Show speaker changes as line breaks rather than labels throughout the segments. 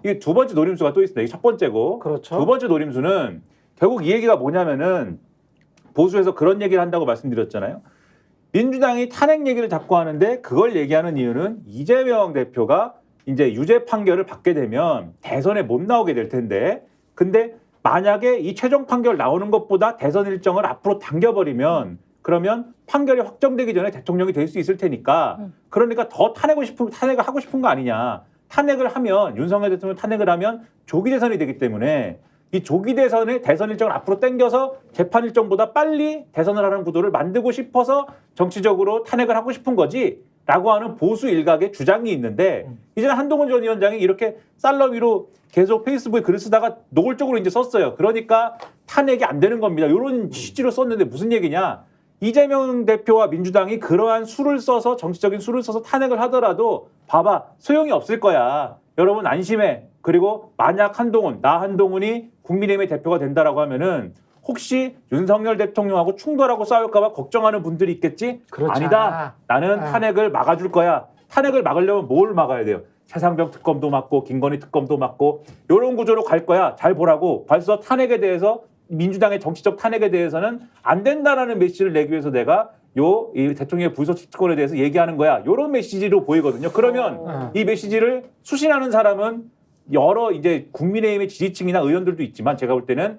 이게 두 번째 노림수가 또 있습니다. 이게 첫 번째고
그렇죠.
두 번째 노림수는 결국 이 얘기가 뭐냐면은 보수에서 그런 얘기를 한다고 말씀드렸잖아요. 민주당이 탄핵 얘기를 자꾸 하는데 그걸 얘기하는 이유는 이재명 대표가 이제 유죄 판결을 받게 되면 대선에 못 나오게 될 텐데 근데 만약에 이 최종 판결 나오는 것보다 대선 일정을 앞으로 당겨버리면 그러면 판결이 확정되기 전에 대통령이 될 수 있을 테니까 그러니까 더 탄핵을 하고 싶은 거 아니냐. 탄핵을 하면 윤석열 대통령 탄핵을 하면 조기 대선이 되기 때문에 이 조기 대선의 대선 일정을 앞으로 당겨서 재판 일정보다 빨리 대선을 하는 구도를 만들고 싶어서 정치적으로 탄핵을 하고 싶은 거지라고 하는 보수 일각의 주장이 있는데 이제는 한동훈 전 위원장이 이렇게 쌀러위로 계속 페이스북에 글을 쓰다가 노골적으로 이제 썼어요. 그러니까 탄핵이 안 되는 겁니다. 이런 취지로 썼는데 무슨 얘기냐? 이재명 대표와 민주당이 그러한 수를 써서 정치적인 수를 써서 탄핵을 하더라도 봐봐 소용이 없을 거야. 여러분 안심해. 그리고 만약 한동훈이 국민의힘의 대표가 된다라고 하면은 혹시 윤석열 대통령하고 충돌하고 싸울까 봐 걱정하는 분들이 있겠지?
그렇지
아니다. 나는 탄핵을 막아줄 거야. 탄핵을 막으려면 뭘 막아야 돼요? 최상병 특검도 막고 김건희 특검도 막고 이런 구조로 갈 거야. 잘 보라고. 벌써 탄핵에 대해서 민주당의 정치적 탄핵에 대해서는 안 된다라는 메시지를 내기 위해서 내가 이 대통령의 불소식 특권에 대해서 얘기하는 거야. 이런 메시지로 보이거든요. 그러면 이 메시지를 수신하는 사람은 여러 이제 국민의힘의 지지층이나 의원들도 있지만 제가 볼 때는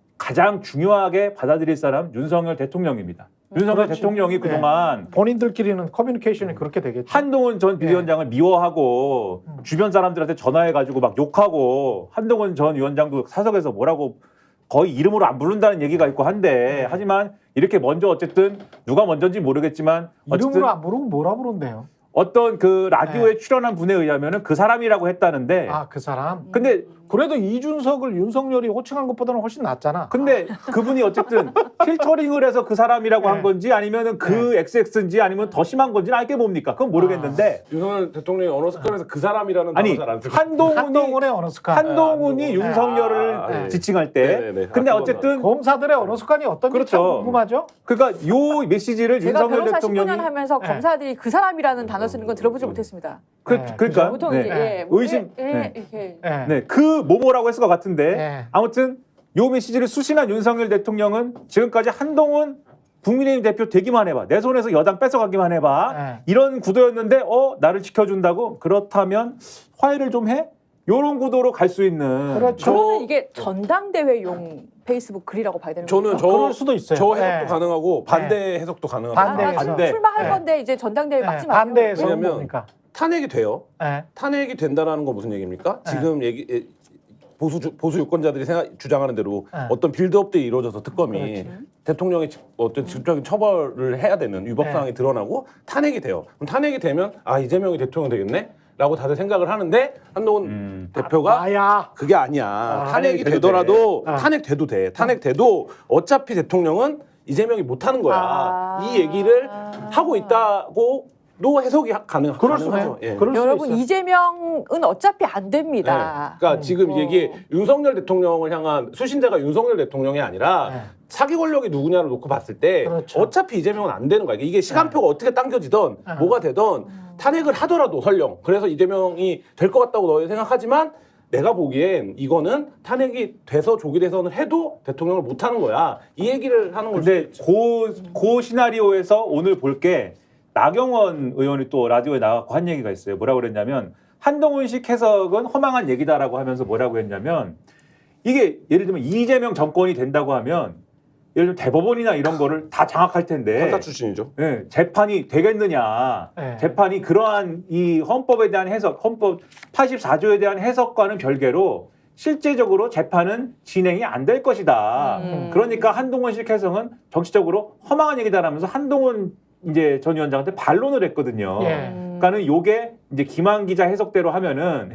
가장 중요하게 받아들일 사람 윤석열 대통령입니다. 윤석열
그렇지.
대통령이 그동안
본인들끼리는 커뮤니케이션이 그렇게 되겠죠.
한동훈 전 비대위원장을 미워하고 주변 사람들한테 전화해가지고 막 욕하고 한동훈 전 위원장도 사석에서 뭐라고 거의 이름으로 안 부른다는 얘기가 있고 한데 하지만 이렇게 먼저 어쨌든 누가 먼저인지 모르겠지만 어쨌든
이름으로 안 부르고 뭐라 부른대요?
어떤 그 라디오에 출연한 분에 의하면은 그 사람이라고 했다는데
아, 그 사람?
근데
그래도 이준석을 윤석열이 호칭한 것보다는 훨씬 낫잖아.
근데 그분이 어쨌든 필터링을 해서 그 사람이라고 한 건지 아니면은 그 XX인지 아니면 더 심한 건지는 알게 뭡니까? 그건 모르겠는데
윤석열 대통령이 언어 습관에서 그 사람이라는
아니
단어 잘안 쓰고
한동훈의 언어 습관.
한동훈이 윤석열을
네.
지칭할 때
네네네.
근데
아,
어쨌든
검사들의 언어 습관이 어떤지
그렇죠.
참 궁금하죠?
그러니까 요 메시지를
제가
윤석열
변호사
대통령이
19년 하면서 검사들이 그 사람이라는 단어 쓰는 건 들어보지 못했습니다.
그러니까
보통
네.
이제 예,
의심
이렇게
네, 그 뭐라고 했을 것 같은데
네.
아무튼 요 메시지를 수신한 윤석열 대통령은 지금까지 한동훈 국민의힘 대표 되기만 해봐. 내 손에서 여당 뺏어가기만 해봐.
네.
이런 구도였는데 나를 지켜준다고? 그렇다면 화해를 좀 해? 요런 구도로 갈 수 있는
그렇죠.
그러면 이게 전당대회용 페이스북 글이라고 봐야 되는
저는
거죠?
그럴 수도 있어요.
저 해석도
네.
가능하고 반대 해석도 가능합니다.
반대.
반대.
출마할
네.
건데 이제 전당대회
네,
막지 마세요.
반대에서
왜냐면
뭡니까?
탄핵이 돼요.
네.
탄핵이 된다라는 건 무슨 얘기입니까?
네.
지금 보수 유권자들이 주장하는 대로
네.
어떤 빌드업들이 이루어져서 특검이
그렇지.
대통령의 어떤 직접적인 처벌을 해야 되는 위법
네.
사항이 드러나고 탄핵이 돼요. 그럼 탄핵이 되면 이재명이 대통령 되겠네? 라고 다들 생각을 하는데 한동훈 대표가
아야.
그게 아니야. 탄핵이
돼도
되더라도
돼.
탄핵돼도 돼. 탄핵돼도 어차피 대통령은 이재명이 못하는 거야. 이 얘기를 하고 있다고도 해석이
그럴 수네.
가능하죠. 예.
그럴 수도
여러분
있어요.
이재명은 어차피 안 됩니다.
네. 그러니까 지금 이게
어.
윤석열 대통령을 향한 수신자가 윤석열 대통령이 아니라
네.
사기 권력이 누구냐를 놓고 봤을 때
그렇죠.
어차피 이재명은 안 되는 거야. 이게 시간표가 어떻게 당겨지던
네.
뭐가 되던 탄핵을 하더라도 설령 그래서 이재명이 될 것 같다고 너희 생각하지만 내가 보기엔 이거는 탄핵이 돼서 조기 대선을 해도 대통령을 못 하는 거야. 이 얘기를 하는
근데
거지.
그 시나리오에서 오늘 볼 게 나경원 의원이 또 라디오에 나와서 한 얘기가 있어요. 뭐라고 그랬냐면 한동훈식 해석은 허망한 얘기다라고 하면서 뭐라고 했냐면 이게 예를 들면 이재명 정권이 된다고 하면 예를 들면 대법원이나 이런 거를 다 장악할 텐데
판사 출신이죠.
예, 재판이 되겠느냐.
네.
재판이 그러한 이 헌법에 대한 해석, 헌법 84조에 대한 해석과는 별개로 실제적으로 재판은 진행이 안 될 것이다. 그러니까 한동훈식 해석은 정치적으로 허망한 얘기다라면서 한동훈 이제 전 위원장한테 반론을 했거든요.
예.
그러니까는 요게 이제 김한 기자 해석대로 하면은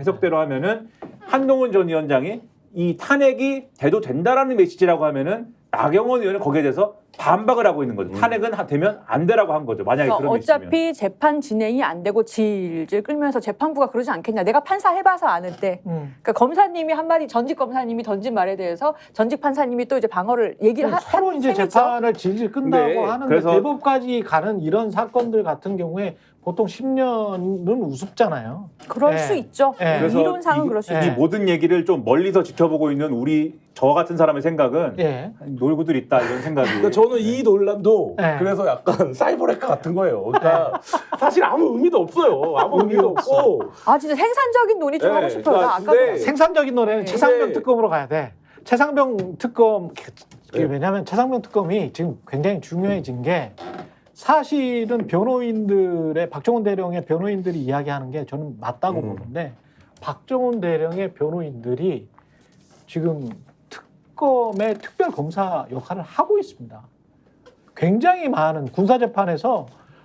한동훈 전 위원장이 이 탄핵이 돼도 된다라는 메시지라고 하면은 나경원 의원은 거기에 대해서 반박을 하고 있는 거죠. 탄핵은 되면 안 되라고 한 거죠. 만약에
그러니까
그런 게 있으면.
어차피 재판 진행이 안 되고 질질 끌면서 재판부가 그러지 않겠냐. 내가 판사 해봐서 아는데. 그러니까 검사님이 한마디 전직 검사님이 던진 말에 대해서 전직 판사님이 또 이제 방어를 얘기를
서로 이제
셈이죠.
재판을 질질 끈다고
네,
하는데
그래서-
대법까지 가는 이런 사건들 같은 경우에 보통 10년은 우습잖아요.
그럴
예.
수 있죠.
예.
그래서
이론상은 그럴 수
예.
이
있죠.
모든 얘기를 좀 멀리서 지켜보고 있는 저 같은 사람의 생각은
예.
놀고들 있다 이런 생각이.
그러니까 저는 이 논란도
네.
그래서 약간 사이버레카 같은 거예요. 그러니까 사실 아무 의미도 없어요. 아무 의미도 없고.
아 진짜 생산적인 논의 좀
네,
하고 싶어요. 나
그러니까
아까
근데-
생산적인 노래는
네.
최상병
네.
특검으로 가야 돼. 최상병 특검
네.
왜냐하면 최상병 특검이 지금 굉장히 중요해진 게 사실은 변호인들의 박정훈 대령의 변호인들이 이야기하는 게 저는 맞다고 보는데 박정훈 대령의 변호인들이 지금 특검의 특별 검사 역할을 하고 있습니다. 굉장히 많은 군사재판에서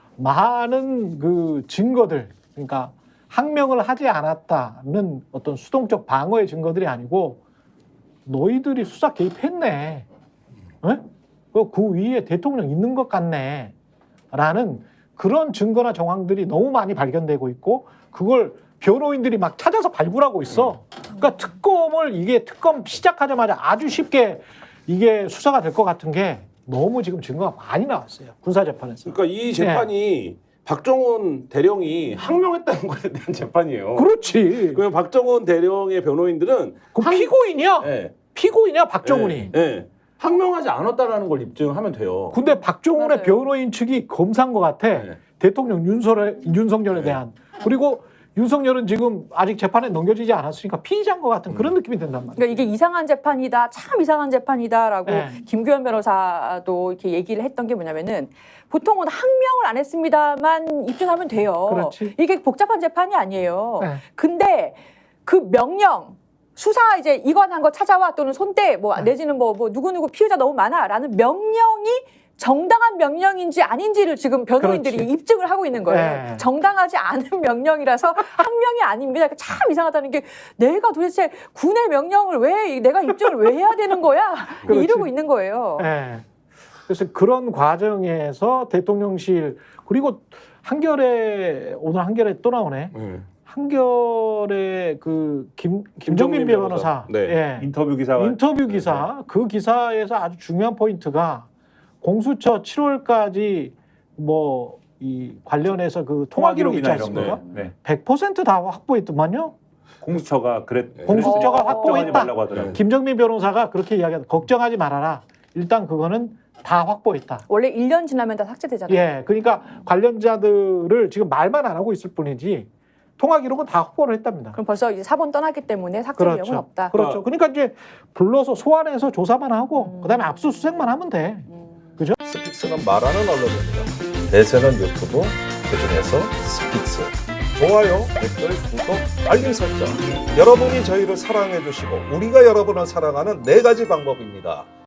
많은 그 증거들, 그러니까 항명을 하지 않았다는 어떤 수동적 방어의 증거들이 아니고 너희들이 수사 개입했네. 에? 그 위에 대통령 있는 것 같네. 라는 그런 증거나 정황들이 너무 많이 발견되고 있고 그걸 변호인들이 막 찾아서 발굴하고 있어. 그러니까 이게 특검 시작하자마자 아주 쉽게 이게 수사가 될 것 같은 게 너무 지금 증거가 많이 나왔어요. 군사재판에서.
그러니까 이 재판이 박정훈 대령이 항명했다는 것에 대한 재판이에요.
그렇지.
그러면 박정훈 대령의 변호인들은
그 피고인이야.
예,
피고인이야 박정훈이.
예, 예. 항명하지 않았다라는 걸 입증하면 돼요.
근데 박정훈의
맞아요.
변호인 측이 검사인 것 같아.
네.
대통령 윤석열에
네.
대한. 그리고 윤석열은 지금 아직 재판에 넘겨지지 않았으니까 피의자인 것 같은 그런 느낌이 든단 말이야.
그러니까 이게 이상한 재판이다, 참 이상한 재판이다라고
네.
김규현 변호사도 이렇게 얘기를 했던 게 뭐냐면은 보통은 항명을 안 했습니다만 입증하면 돼요.
그렇지.
이게 복잡한 재판이 아니에요.
네.
근데 그 명령 수사 이제 이관한 거 찾아와 또는 손대 뭐
네.
내지는 뭐 누구누구 피의자 너무 많아라는 명령이 정당한 명령인지 아닌지를 지금 변호인들이
그렇지.
입증을 하고 있는 거예요.
네.
정당하지 않은 명령이라서 항명이 아닙니다. 참 이상하다는 게 내가 도대체 군의 명령을 왜 내가 입증을 왜 해야 되는 거야?
그렇지.
이러고 있는 거예요.
예. 그래서 그런 과정에서 대통령실 그리고 오늘 한겨레 또 나오네.
예.
한겨레 그 김정민 변호사
네.
예.
인터뷰 기사가
인터뷰 기사 그 기사에서 아주 중요한 포인트가 공수처 7월까지 뭐 이 관련해서 그 통화 기록 있지
통화 기록이나
않습니까?
이런 거. 네.
100% 다 확보했더만요.
공수처가
공수처가
어.
걱정하지
확보했다.
말라고 하더라고요.
김정민 변호사가 그렇게 이야기하다. 걱정하지 말아라. 일단 그거는 다 확보했다.
원래 1년 지나면 다 삭제되잖아요.
예, 그러니까 관련자들을 지금 말만 안 하고 있을 뿐이지 통화 기록은 다 확보를 했답니다.
그럼 벌써 이제 사본 떠났기 때문에 삭제 위험은 없다.
그렇죠. 그러니까 이제 불러서 소환해서 조사만 하고 그다음에 압수수색만 하면 돼. 그죠?
스픽스는 말하는 언론입니다. 대세는 유튜브, 그중에서 스픽스. 좋아요, 댓글, 구독, 알림 설정. 여러분이 저희를 사랑해 주시고 우리가 여러분을 사랑하는 4가지 방법입니다.